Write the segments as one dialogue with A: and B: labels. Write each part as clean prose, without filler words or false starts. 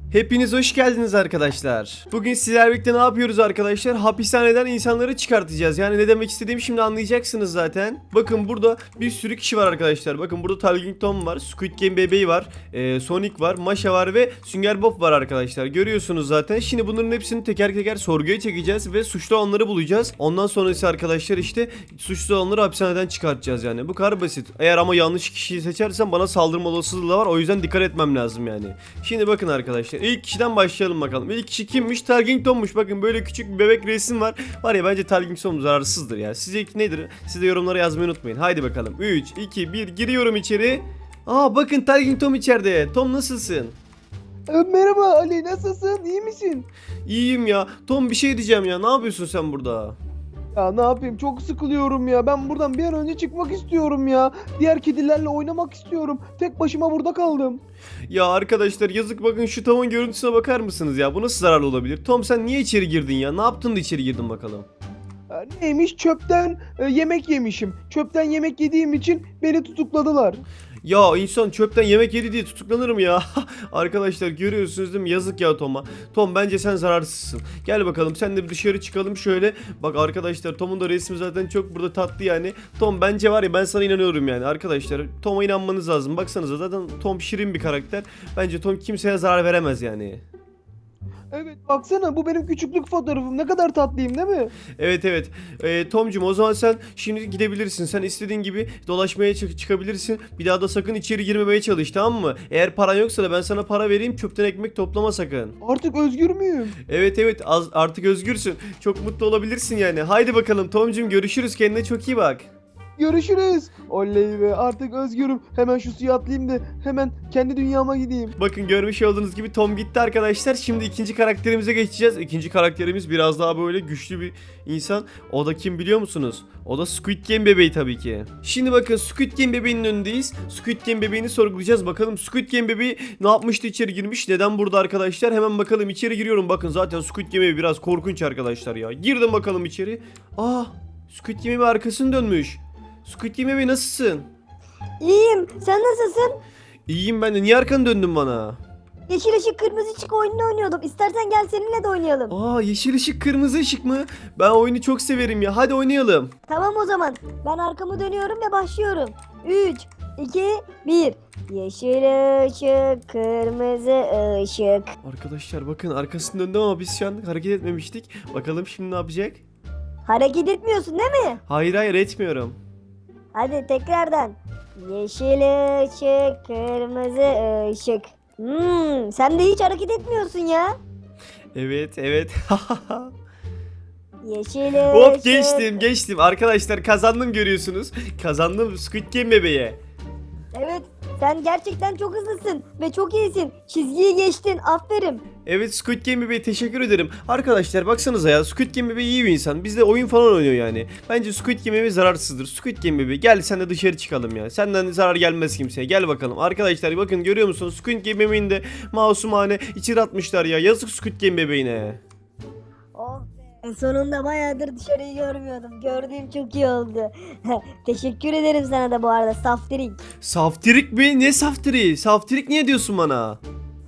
A: Hepiniz hoş geldiniz arkadaşlar. Bugün sizlerle birlikte ne yapıyoruz arkadaşlar? Hapishaneden insanları çıkartacağız. Yani ne demek istediğimi şimdi anlayacaksınız zaten. Bakın burada bir sürü kişi var arkadaşlar. Bakın burada Talking Tom var, Squid Game bebeği var, Sonic var, Masha var ve Sünger Bob var arkadaşlar. Görüyorsunuz zaten. Şimdi bunların hepsini teker teker sorguya çekeceğiz ve suçlu olanları bulacağız. Ondan sonrası arkadaşlar işte suçlu olanları hapishaneden çıkartacağız yani. Bu kadar basit. Eğer ama yanlış kişiyi seçersem bana saldırma olasılığı da var. O yüzden dikkat etmem lazım yani. Şimdi bakın arkadaşlar. İlk kişiden başlayalım bakalım. İlk kişi kimmiş? Talking Tom'muş. Bakın böyle küçük bir bebek resim var. Var ya bence Talking Tom zararsızdır ya. Sizce nedir? Siz de yorumlara yazmayı unutmayın. Haydi bakalım. 3, 2, 1 giriyorum içeri. Aa bakın Talking Tom içeride. Tom nasılsın?
B: Merhaba Ali, nasılsın? İyi misin?
A: İyiyim ya. Tom bir şey diyeceğim ya. Ne yapıyorsun sen burada?
B: Ya ne yapayım, çok sıkılıyorum ya. Ben buradan bir an önce çıkmak istiyorum ya. Diğer kedilerle oynamak istiyorum. Tek başıma burada kaldım.
A: Ya arkadaşlar yazık bakın şu Tom'un görüntüsüne bakar mısınız ya? Bu nasıl zararlı olabilir? Tom sen niye içeri girdin ya? Ne yaptın da içeri girdin bakalım?
B: Neymiş? Çöpten yemek yemişim. Çöpten yemek yediğim için beni tutukladılar.
A: Ya insan çöpten yemek yedi diye tutuklanır mı ya? Arkadaşlar görüyorsunuz değil mi? Yazık ya Tom'a. Tom bence sen zararsızsın. Gel bakalım sen de bir dışarı çıkalım şöyle. Bak arkadaşlar Tom'un da resmi zaten çok burada tatlı yani. Tom bence var ya ben sana inanıyorum yani. Arkadaşlar Tom'a inanmanız lazım. Baksanıza zaten Tom şirin bir karakter. Bence Tom kimseye zarar veremez yani.
B: Evet, baksana, bu benim küçüklük fotoğrafım. Ne kadar tatlıyım değil mi?
A: Evet evet. Tom'cum o zaman sen şimdi gidebilirsin. Sen istediğin gibi dolaşmaya çıkabilirsin. Bir daha da sakın içeri girmemeye çalış, tamam mı? Eğer paran yoksa da ben sana para vereyim. Çöpten ekmek toplama sakın.
B: Artık özgür müyüm?
A: Evet evet artık özgürsün. Çok mutlu olabilirsin yani. Haydi bakalım Tom'cum görüşürüz. Kendine çok iyi bak.
B: Görüşürüz. Oley be, artık özgürüm. Hemen şu suya atlayayım da hemen kendi dünyama gideyim.
A: Bakın görmüş olduğunuz gibi Tom gitti arkadaşlar. Şimdi ikinci karakterimize geçeceğiz. İkinci karakterimiz biraz daha böyle güçlü bir insan. O da kim biliyor musunuz? O da Squid Game bebeği tabii ki. Şimdi bakın Squid Game bebeğinin önündeyiz. Squid Game bebeğini sorgulayacağız. Bakalım Squid Game bebeği ne yapmıştı, içeri girmiş? Neden burada arkadaşlar? Hemen bakalım, içeri giriyorum. Bakın zaten Squid Game bebeği biraz korkunç arkadaşlar ya. Girdim bakalım içeri. Aa, Squid Game bebeği arkasını dönmüş. Squid Game bebeği nasılsın?
C: İyiyim. Sen nasılsın?
A: İyiyim ben de. Niye arkanı döndün bana?
C: Yeşil ışık kırmızı ışık oyununu oynuyordum. İstersen gel seninle de oynayalım.
A: Aa, yeşil ışık kırmızı ışık mı? Ben oyunu çok severim ya. Hadi oynayalım.
C: Tamam o zaman. Ben arkamı dönüyorum ve başlıyorum. 3, 2, 1. Yeşil ışık, kırmızı ışık.
A: Arkadaşlar bakın arkasını döndüm ama biz şu an hareket etmemiştik. Bakalım şimdi ne yapacak?
C: Hareket etmiyorsun değil mi?
A: Hayır hayır etmiyorum.
C: Hadi tekrardan. Yeşil ışık, kırmızı ışık. Sen de hiç hareket etmiyorsun ya.
A: Evet evet.
C: Yeşil
A: Hop
C: ışık.
A: geçtim. Arkadaşlar kazandım görüyorsunuz. Kazandım Squid Game bebeğe.
C: Evet, sen gerçekten çok hızlısın ve çok iyisin. Çizgiyi geçtin. Aferin.
A: Evet Squid Game bebeğe teşekkür ederim. Arkadaşlar baksanıza ya, Squid Game bebeği iyi bir insan. Bizde oyun falan oynuyor yani. Bence Squid Game bebeği zararsızdır. Squid Game bebeği gel sen de dışarı çıkalım ya. Senden zarar gelmez kimseye. Gel bakalım. Arkadaşlar bakın görüyor musunuz? Squid Game bebeğini de masumane içeri atmışlar ya. Yazık Squid Game bebeğine.
C: Oh be, sonunda bayağıdır dışarıyı görmüyordum. Gördüğüm çok iyi oldu. Teşekkür ederim sana da bu arada saftirik.
A: Saftirik mi? Ne saftiri? Saftirik niye diyorsun bana?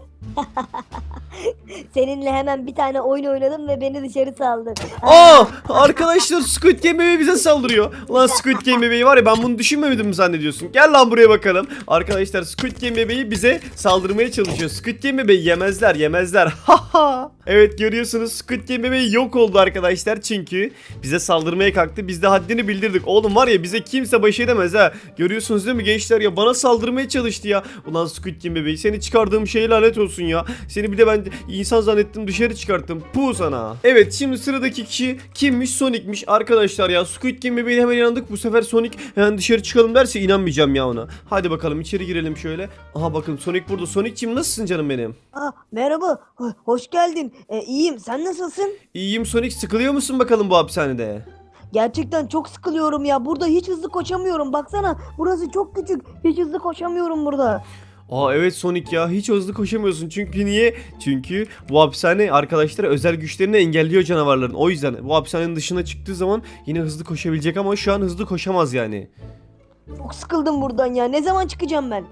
C: Seninle hemen bir tane oyun oynadım ve beni dışarı saldın.
A: Aa! Arkadaşlar Squid Game bebeği bize saldırıyor. Lan Squid Game bebeği var ya, ben bunu düşünmemedim mi zannediyorsun? Gel lan buraya bakalım. Arkadaşlar Squid Game bebeği bize saldırmaya çalışıyor. Squid Game bebeği yemezler. Haha. Evet görüyorsunuz Squid Game bebeği yok oldu arkadaşlar çünkü bize saldırmaya kalktı. Biz de haddini bildirdik. Oğlum var ya, bize kimse baş edemez ha. Görüyorsunuz değil mi gençler ya, bana saldırmaya çalıştı ya. Ulan Squid Game bebeği, seni çıkardığım şeye lanet olsun ya. Seni bir de ben insan zannettim, dışarı çıkarttım. Puh sana. Evet şimdi sıradaki kişi kimmiş? Sonic'miş arkadaşlar ya. Squid Game bebeğine hemen inandık. Bu sefer Sonic hemen dışarı çıkalım derse inanmayacağım ya ona. Hadi bakalım içeri girelim şöyle. Aha bakın Sonic burada. Sonic'cim nasılsın canım benim?
C: Merhaba, hoş geldin. İyiyim, sen nasılsın?
A: İyiyim Sonic, sıkılıyor musun bakalım bu hapishanede?
C: Gerçekten çok sıkılıyorum ya. Burada hiç hızlı koşamıyorum. Baksana, burası çok küçük. Hiç hızlı koşamıyorum burada.
A: Aa evet Sonic ya, hiç hızlı koşamıyorsun çünkü niye? Çünkü bu hapishane arkadaşlar özel güçlerini engelliyor canavarların. O yüzden bu hapishanenin dışına çıktığı zaman yine hızlı koşabilecek ama şu an hızlı koşamaz yani.
C: Çok sıkıldım buradan ya. Ne zaman çıkacağım ben?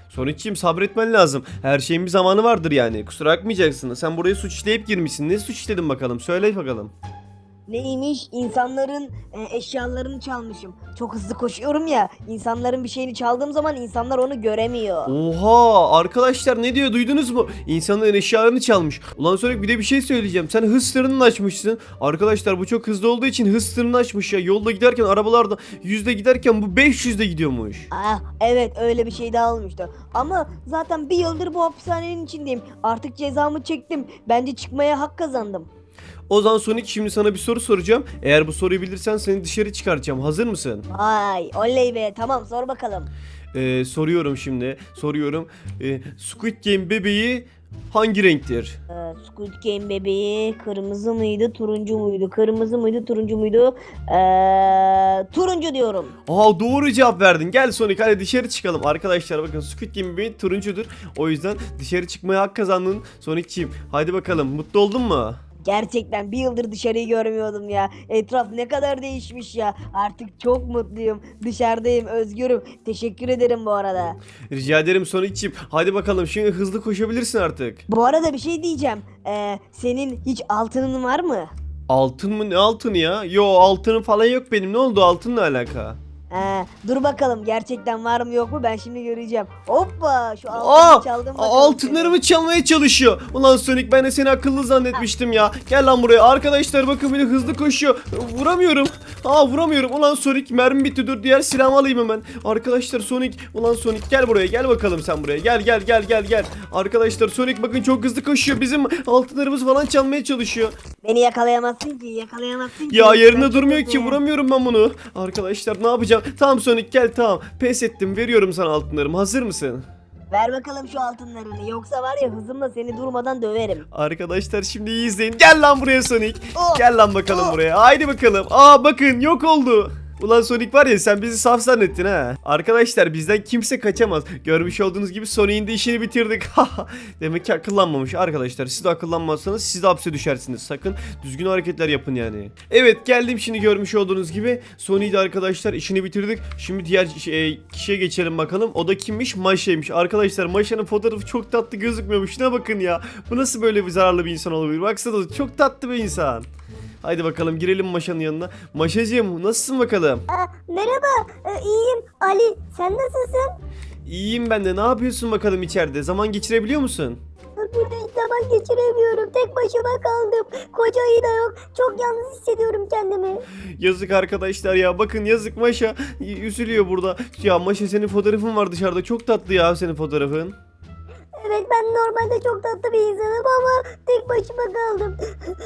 A: Sonic'ciğim sabretmen lazım. Her şeyin bir zamanı vardır yani. Kusura bakmayacaksın. Sen buraya suç işleyip girmişsin. Ne suç işledin bakalım? Söyle bakalım.
C: Neymiş? İnsanların eşyalarını çalmışım. Çok hızlı koşuyorum ya. İnsanların bir şeyini çaldığım zaman insanlar onu göremiyor.
A: Oha arkadaşlar ne diyor duydunuz mu? İnsanların eşyalarını çalmış. Ulan Sonic bir de bir şey söyleyeceğim. Sen hız sınırını açmışsın. Arkadaşlar bu çok hızlı olduğu için hız sınırını açmış ya. Yolda giderken arabalarda 100'de giderken bu 500'de gidiyormuş.
C: Ah evet, öyle bir şey daha olmuştu. Ama zaten bir yıldır bu hapishanenin içindeyim. Artık cezamı çektim. Bence çıkmaya hak kazandım.
A: O zaman Sonic şimdi sana bir soru soracağım. Eğer bu soruyu bilirsen seni dışarı çıkartacağım. Hazır mısın?
C: Vay oley be, tamam sor bakalım.
A: Soruyorum şimdi. Soruyorum. Squid Game bebeği hangi renktir?
C: Squid Game bebeği kırmızı mıydı, turuncu muydu? Kırmızı mıydı, turuncu muydu? Turuncu diyorum.
A: Aa doğru cevap verdin. Gel Sonic hadi dışarı çıkalım. Arkadaşlar bakın Squid Game bebeği turuncudur. O yüzden dışarı çıkmaya hak kazandın Sonic'ciğim. Hadi bakalım mutlu oldun mu?
C: Gerçekten bir yıldır dışarıyı görmüyordum ya. Etraf ne kadar değişmiş ya. Artık çok mutluyum. Dışarıdayım, özgürüm. Teşekkür ederim bu arada.
A: Rica ederim Sonic'ciğim. Hadi bakalım şimdi hızlı koşabilirsin artık.
C: Bu arada bir şey diyeceğim. Senin hiç altının var mı?
A: Altın mı? Ne altını ya? Yo altının falan yok benim. Ne oldu altınla alaka?
C: Dur bakalım gerçekten var mı yok mu, ben şimdi göreceğim. Hoppa, şu
A: Aa,
C: altını çaldım bakalım.
A: altınlarımı çalmaya çalışıyor. Ulan Sonic ben de seni akıllı zannetmiştim ya. Gel lan buraya. Arkadaşlar bakın beni hızlı koşuyor. Vuramıyorum. Vuramıyorum. Ulan Sonic mermi bitti. Dur diğer silahımı alayım hemen. Arkadaşlar Sonic. Ulan Sonic gel buraya. Gel bakalım sen buraya. Gel. Arkadaşlar Sonic bakın çok hızlı koşuyor. Bizim altınlarımız falan çalmaya çalışıyor.
C: Beni yakalayamazsın ki, yakalayamazsın ki.
A: Ya
C: Ben
A: yerine
C: çok
A: durmuyor ki.
C: hızlıyım.
A: Vuramıyorum ben bunu. Arkadaşlar ne yapacağım? Tamam Sonic gel tamam. Pes ettim. Veriyorum sana altınlarımı. Hazır mısın?
C: Ver bakalım şu altınlarını, yoksa var ya hızımla seni durmadan döverim.
A: Arkadaşlar şimdi iyi izleyin. Gel lan buraya Sonic.
C: Oh!
A: Gel lan bakalım
C: Oh!
A: buraya. Haydi bakalım. Bakın yok oldu. Ulan Sonic var ya sen bizi saf zannettin ha. Arkadaşlar bizden kimse kaçamaz. Görmüş olduğunuz gibi Sonic'in de işini bitirdik. Demek ki akıllanmamış arkadaşlar. Siz de akıllanmazsanız siz de hapse düşersiniz. Sakın düzgün hareketler yapın yani. Evet geldim şimdi görmüş olduğunuz gibi. Sonic'i de arkadaşlar işini bitirdik. Şimdi diğer kişiye geçelim bakalım. O da kimmiş? Maşa'ymış. Arkadaşlar Maşa'nın fotoğrafı çok tatlı gözükmüyormuş. Ne bakın ya. Bu nasıl böyle bir zararlı bir insan olabilir? Baksana çok tatlı bir insan. Haydi bakalım girelim Maşa'nın yanına. Maşacığım nasılsın bakalım?
C: Merhaba, iyiyim. Ali, sen nasılsın?
A: İyiyim ben de. Ne yapıyorsun bakalım içeride? Zaman geçirebiliyor musun?
C: Burada hiç zaman geçiremiyorum. Tek başıma kaldım. Kocayı da yok. Çok yalnız hissediyorum kendimi.
A: Yazık arkadaşlar ya. Bakın yazık Maşa. Üzülüyor burada. Ya Maşa senin fotoğrafın var dışarıda. Çok tatlı ya senin fotoğrafın.
C: Evet, ben normalde çok tatlı bir insanım ama tek başıma kaldım.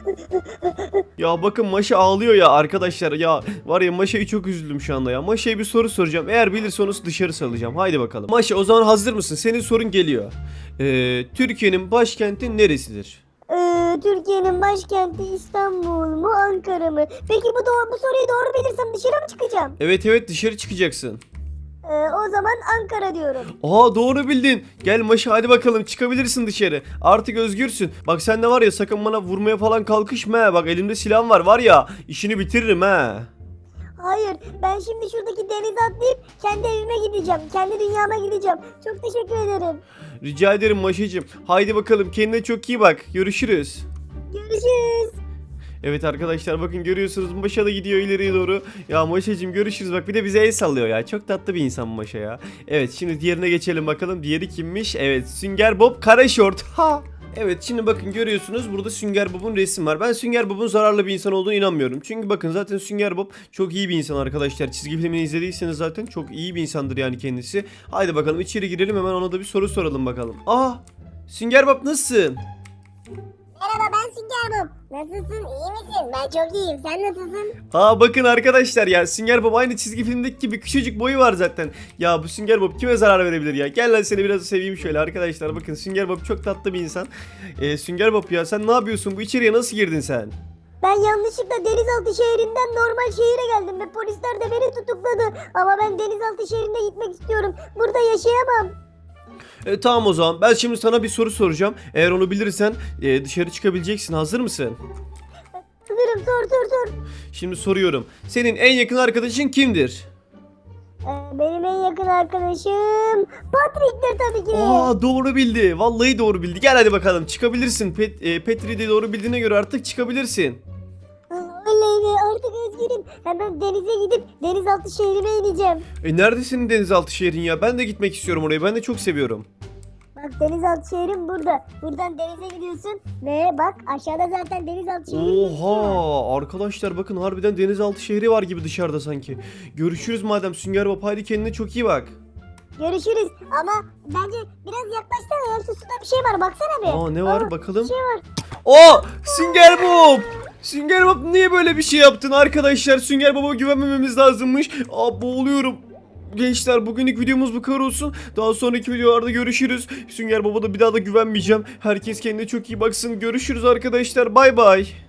A: Ya bakın Maşa ağlıyor ya arkadaşlar. Ya var ya Maşa'yı çok üzüldüm şu anda ya. Maşa'ya bir soru soracağım. Eğer bilirse onu dışarı salacağım. Haydi bakalım. Maşa o zaman hazır mısın? Senin sorun geliyor. Türkiye'nin başkenti neresidir?
C: Türkiye'nin başkenti İstanbul mu, Ankara mı? Peki bu soruyu doğru bilirsem dışarı mı çıkacağım?
A: Evet dışarı çıkacaksın.
C: O zaman Ankara diyorum.
A: Doğru bildin. Gel Maşa hadi bakalım çıkabilirsin dışarı. Artık özgürsün. Bak sen de var ya sakın bana vurmaya falan kalkışma ha. Bak elimde silahım var ya işini bitiririm ha.
C: Hayır, ben şimdi şuradaki denize atlayıp kendi evime gideceğim. Kendi dünyama gideceğim. Çok teşekkür ederim.
A: Rica ederim Maşacığım. Haydi bakalım kendine çok iyi bak. Görüşürüz.
C: Görüşürüz.
A: Evet arkadaşlar bakın görüyorsunuz Maşa da gidiyor ileriye doğru. Ya Maşacığım görüşürüz bak bir de bize el sallıyor ya. Çok tatlı bir insan Maşa ya. Evet şimdi diğerine geçelim bakalım. Diğeri kimmiş? Evet Sünger Bob Karaşort. Evet şimdi bakın görüyorsunuz burada Sünger Bob'un resim var. Ben Sünger Bob'un zararlı bir insan olduğunu inanmıyorum. Çünkü bakın zaten Sünger Bob çok iyi bir insan arkadaşlar. Çizgi filmini izlediyseniz zaten çok iyi bir insandır yani kendisi. Haydi bakalım içeri girelim hemen ona da bir soru soralım bakalım. Sünger Bob nasılsın?
D: Merhaba, ben Sünger Bob. Nasılsın? İyi misin? Ben çok iyiyim. Sen nasılsın?
A: Bakın arkadaşlar ya Sünger Bob aynı çizgi filmdeki gibi küçücük boyu var zaten. Ya bu Sünger Bob kime zarar verebilir ya? Gel lan seni biraz seveyim şöyle arkadaşlar. Bakın Sünger Bob çok tatlı bir insan. Sünger Bob ya sen ne yapıyorsun? Bu içeriye nasıl girdin sen?
C: Ben yanlışlıkla denizaltı şehrinden normal şehire geldim ve polisler de beni tutukladı. Ama ben denizaltı şehrine gitmek istiyorum. Burada yaşayamam.
A: Tamam o zaman ben şimdi sana bir soru soracağım. Eğer onu bilirsen dışarı çıkabileceksin. Hazır mısın?
C: Hazırım, sor.
A: Şimdi soruyorum. Senin en yakın arkadaşın kimdir?
C: Benim en yakın arkadaşım Patrick'tir tabii ki.
A: Aa, doğru bildi. Vallahi doğru bildi. Gel hadi bakalım, çıkabilirsin. Petri de doğru bildiğine göre artık çıkabilirsin.
C: Oley be, artık özgürüm. Hemen denize gidip denizaltı şehrime ineceğim.
A: Nerede senin denizaltı şehrin ya? Ben de gitmek istiyorum oraya. Ben de çok seviyorum.
C: Bak, denizaltı şehrim burada. Buradan denize gidiyorsun ve bak aşağıda zaten denizaltı şehri gözüküyor.
A: Oha, arkadaşlar bakın, harbiden denizaltı şehri var gibi dışarıda sanki. Görüşürüz madem Sünger Bob. Haydi kendine çok iyi bak.
C: Görüşürüz ama bence biraz yaklaşsana ya, suda bir şey var baksana bir.
A: Aa, ne var bakalım.
C: Bir şey var.
A: Aa, Sünger Bob! Sünger Bob niye böyle bir şey yaptın arkadaşlar? Sünger Bob'a güvenmememiz lazımmış. Aa, boğuluyorum. Gençler, bugünlük videomuz bu kadar olsun. Daha sonraki videolarda görüşürüz. Sünger Bob'a da bir daha da güvenmeyeceğim. Herkes kendine çok iyi baksın. Görüşürüz arkadaşlar. Bay bay.